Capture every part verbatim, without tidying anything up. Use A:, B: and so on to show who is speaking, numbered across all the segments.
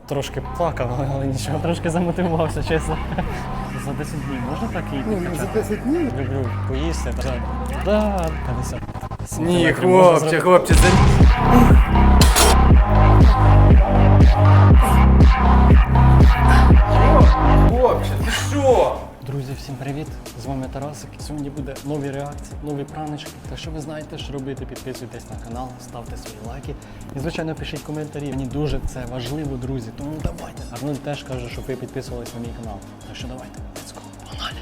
A: Трошки плакав, але нічого, трошки замотивувався, чесно. За десять днів можна так і
B: Ні, ну, за десять днів?
A: Люблю поїсти. Так, да, п'ятдесят.
B: Ні, хлопче, хлопче, за... Хлопче, ти що?
A: Друзі, всім привіт! З вами Тарасик. Сьогодні буде нові реакції, нові праночки. Так що ви знаєте, що робити, підписуйтесь на канал, ставте свої лайки. І, звичайно, пишіть коментарі. Мені дуже це важливо, друзі. Тому давайте. Арнольд теж каже, щоб ви підписувались на мій канал. Так що давайте, let's go. Погнали!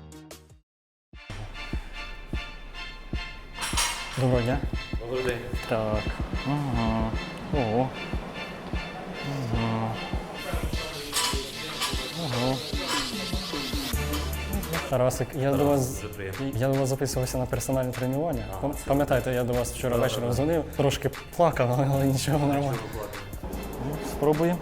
A: Доброго дня.
B: Добрий день.
A: Так. Ага. Ого. Ага. Ага. Тарасик, я до вас я до вас записувався на персональне тренування. Пам- Пам'ятаєте, я до вас вчора вечором дзвонив, трошки плакав, але нічого нормально. Ну, спробуємо.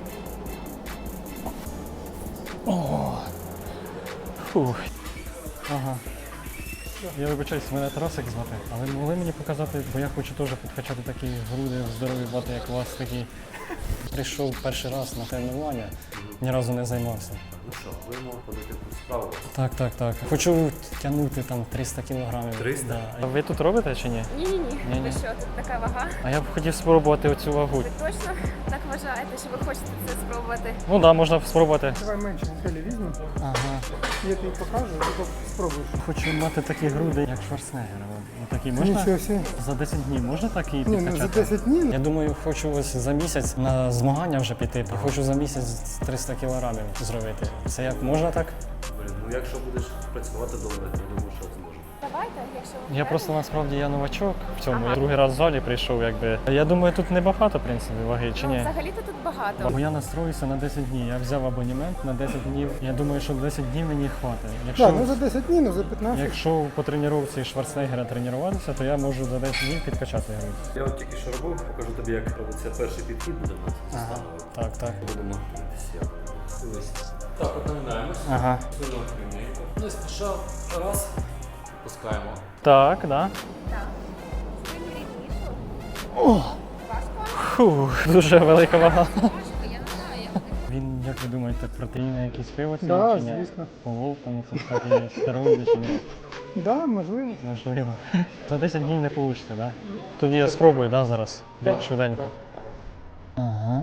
A: О. Фух. Ага. Я вибачаюсь, мене Тарасик звати, але могли мені показати, бо я хочу теж підкачати такі груди здорові бати, як у вас такі. Прийшов перший раз на тренування, ні разу не займався.
C: Ну що, будемо ходити по справу.
A: Так, так, так. Хочу тягнути там триста кілограмів.
C: триста?
A: Да. А ви тут робите чи ні?
D: Ні-ні-ні,
A: Ні-ні.
D: ви що, тут така вага?
A: А я б хотів спробувати оцю вагу.
D: Ви точно так вважаєте, що ви хочете це спробувати?
A: Ну так, да, можна спробувати.
B: Давай менше хелі візьмемо.
A: Ага.
B: Я тобі покажу, ти спробуєш.
A: Хочу мати такі груди, як Шварценеггера. Ну, такі можна?
B: Нічого собі.
A: За десять днів можна так і
B: Ні, ну
A: підкачати?
B: за десять днів.
A: Я думаю, хочу ось за місяць на змагання вже піти. Я хочу за місяць триста кілограмів зробити. Це як можна так?
C: Блін, ну якщо будеш працювати добре, то думаю, що зможеш.
D: Давайте, якщо ви
A: Я
D: впевнені.
A: просто насправді я новачок в цьому. Я другий раз в залі прийшов, якби. Я думаю, тут небагато, в принципі, ваги, чи
D: Ну,
A: ні?
D: взагалі-то тут багато.
A: Бо я настроюся на десять днів. Я взяв абонемент на десять днів. Я думаю, що десять днів мені хватить. Якщо,
B: Так, ну за десять днів, ну за п'ятнадцять.
A: якщо по тренувці Шварценеггера тренуватися, то я можу за десять днів підкачати грудь.
C: Я от тільки що робив, покажу тобі, як робиться перший підхід буде в нас.
A: Ага.
C: Ага.
A: Так, так.
C: Будемо дивитися. Дивись. Так, от наминаємось.
A: Ага.
C: Сильно рівненько. Не спіша. Раз. Пускаємо.
A: Так, да.
D: Так. Спину рівнішу.
A: О!
D: Важко?
A: Фух, дуже велика вага.
D: Важко, я не знаю, як ти.
A: Він, як ви думаєте, протеїни якісь пиво
B: Да,
A: чи ні?
B: звісно.
A: Полов, там це такі стероїди чи ні?
B: Да, можливо.
A: Можливо. За десять днів не вийде, так? Да? Тоді я спробую, да, зараз?
B: Так.
A: Швиденько. Ага.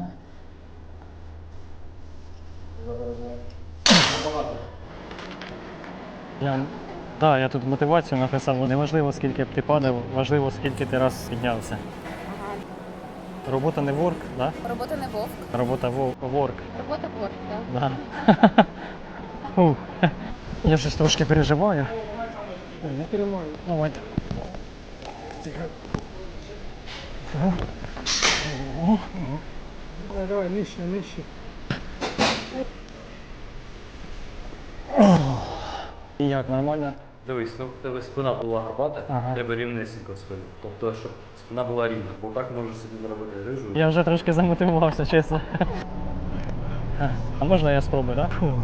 A: Я, да, я тут мотивацію написав. Неважливо, скільки б ти падав, важливо, скільки ти раз піднявся. Робота не ворк, да?
D: Робота не вовк.
A: Робота во- ворк.
D: Робота ворк, так.
A: Да. Фух. Я щось трошки переживаю.
B: Не тримаю.
A: Давайте. Тихо. Ого. Ого.
B: Давай, давай, нижче, нижче.
A: І як, нормально?
C: Дивись, ну в тебе спина була горбата,
A: Ага.
C: треба рівнесенько спину. Тобто, щоб спина була рівна, бо так можеш собі наробити рижу.
A: Я вже трошки замотивувався, чесно. А можна я спробую, так? Да?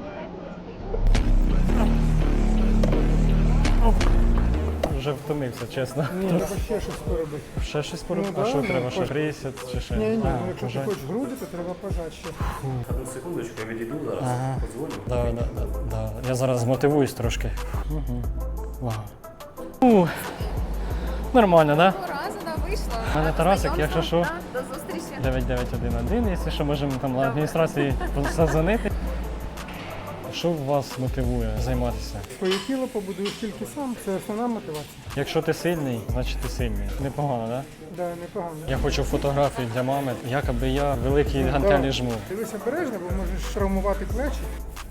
A: Вже втомився, чесно.
B: Ні, треба ще щось поробити.
A: Ще щось поробити?
B: Ну,
A: А
B: да,
A: що
B: ну,
A: треба? Ще
B: хоч-
A: тридцять чи ще?
B: Ні, ні,
A: А,
B: ну якщо ти
A: пожать.
B: хочеш груди, то треба пожати ще.
C: Одну секундочку, я відійду зараз,
A: Ага.
C: подзвоню.
A: Да, да, да, да. Я зараз змотивуюсь трошки. Угу. Вау. Ух. Нормально, так? Да?
D: Цього разу нам вийшло.
A: У мене Тарасик, якщо що.
D: Так, до зустрічі.
A: дев'ять дев'ять один один, якщо що, можемо там на адміністрації позвонити. Що вас мотивує займатися?
B: Своє тіло побудуєш тільки сам, це основна мотивація.
A: Якщо ти сильний, значить ти сильний. Непогано, так? Да?
B: Да, непогано.
A: Я хочу фотографії для мами, якоби я великі гантелі жму.
B: Дивись обережно, бо можеш травмувати плечі.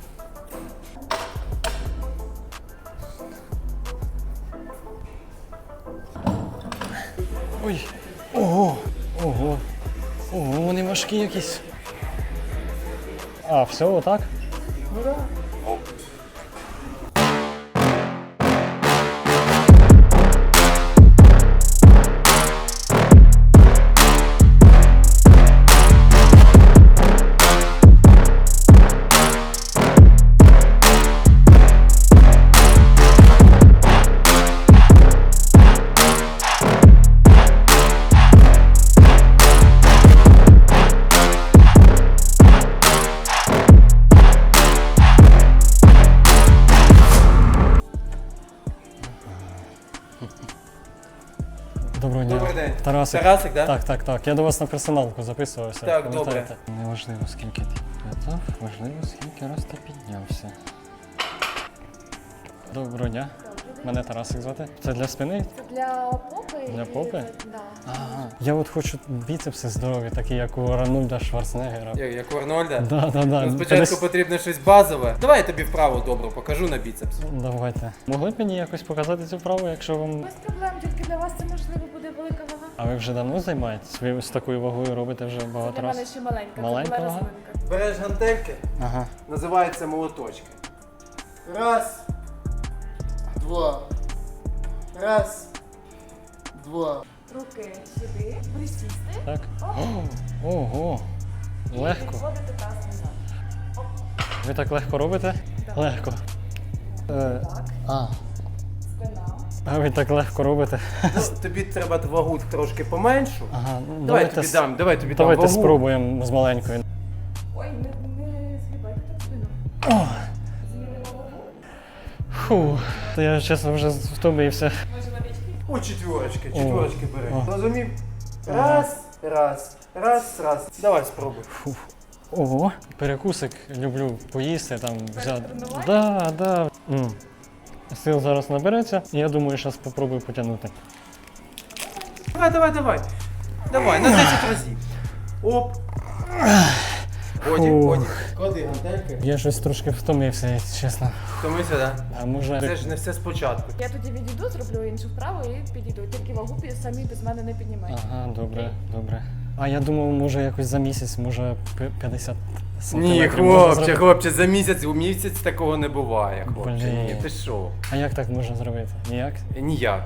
A: Ой, ого, ого, ого, вони важкі якісь. А, все, отак?
B: Ну так.
A: Тарасик.
E: Тарасик, да?
A: Так, так, так. Я до вас на персоналку записувався.
E: Так,
A: пам'ятаєте? Неважливо, скільки ти підняв, важливо, скільки раз ти піднявся. Доброго дня. Мене Тарасик звати. Це для спини?
D: Це для попи.
A: Для
D: і
A: попи?
D: це- Да.
A: Ага. Я от хочу біцепси здорові, такі як у Арнольда Шварценеггера.
E: Як, як у Арнольда?
A: Да, да, да.
E: Ну, спочатку
A: П'ятдесят-
E: потрібно щось базове. Давай я тобі вправу добру покажу на біцепс.
A: Давайте. Могли б мені якось показати цю вправу, якщо вам.
D: Без проблем, тільки для вас це можливо буде велика вага.
A: А ви вже давно займаєтесь? Ви з такою вагою робите вже
D: Це
A: багато
D: для мене
A: разів?
D: ще маленька,
A: Маленька
D: це була
A: вага?
D: рослинка.
E: Береш гантельки,
A: Ага.
E: називається молоточки. Раз, два. Раз, два.
D: Руки сюди, присісти.
A: Так. О, ого.
D: І
A: Легко.
D: відводити таз назад.
A: Ви так легко робите?
D: Так.
A: Легко. Е,
D: Так,
A: а,
D: спина.
A: а ви так легко робите.
E: Ну, тобі треба вагу трошки поменшу.
A: Ага, ну,
E: Давай я
A: давайте,
E: тобі
A: с-
E: дам, давай я тобі
A: давайте
E: дам вагу.
A: спробуємо з маленькою.
D: Ой, не, не згибайте так спину.
A: О,
D: Змінимо вагу.
A: фу, то я чесно вже втомився.
D: Може водички?
E: О, четверочки, четверочки бери.
A: О.
E: Розумів? Раз, раз, раз, раз. Давай спробуй.
A: Фу. Ого, перекусик люблю поїсти, там взяти.
D: тренування?
A: Да, да. М. Сил зараз набереться, і я думаю, зараз спробую потягнути.
E: Давай, давай, давай. Давай, на десять разів. Оп. Годі,
A: Фу.
E: годі. Клади гантельки.
A: Я щось трошки втомився, якщо чесно.
E: Втомився, да?
A: А може.
E: Це ж не все спочатку.
D: Я тоді відійду, зроблю іншу вправу і підійду. Тільки вагу пі- самі без мене не піднімайте.
A: Ага, добре, добре. А я думав, може якось за місяць, може пи- п'ятдесят
E: Ні,
A: сантиметрів можна
E: хлопче,
A: зробити?
E: хлопче, за місяць, у місяць такого не буває, хлопче.
A: Блін.
E: Ні, ти що?
A: А як так можна зробити? Ніяк?
E: Ніяк.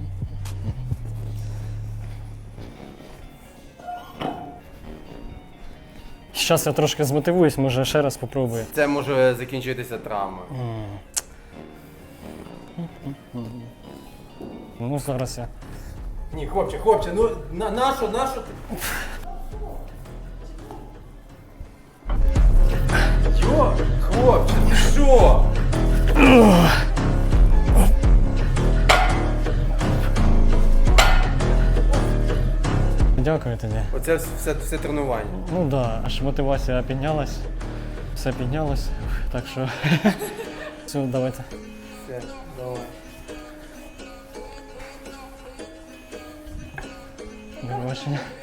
A: Зараз я трошки змотивуюсь, може ще раз попробую.
E: Це може закінчитися травмою.
A: Ну, зараз я.
E: Ні, хлопче, хлопче, ну на, нашу, нашу. ти- Йо, хлопче, ти що?
A: Дякую тобі.
E: Оце все, все тренування.
A: Ну так, да, аж мотивація піднялась. Все піднялось. Так що. Все, давайте.
E: Все, давай.
A: До побачення.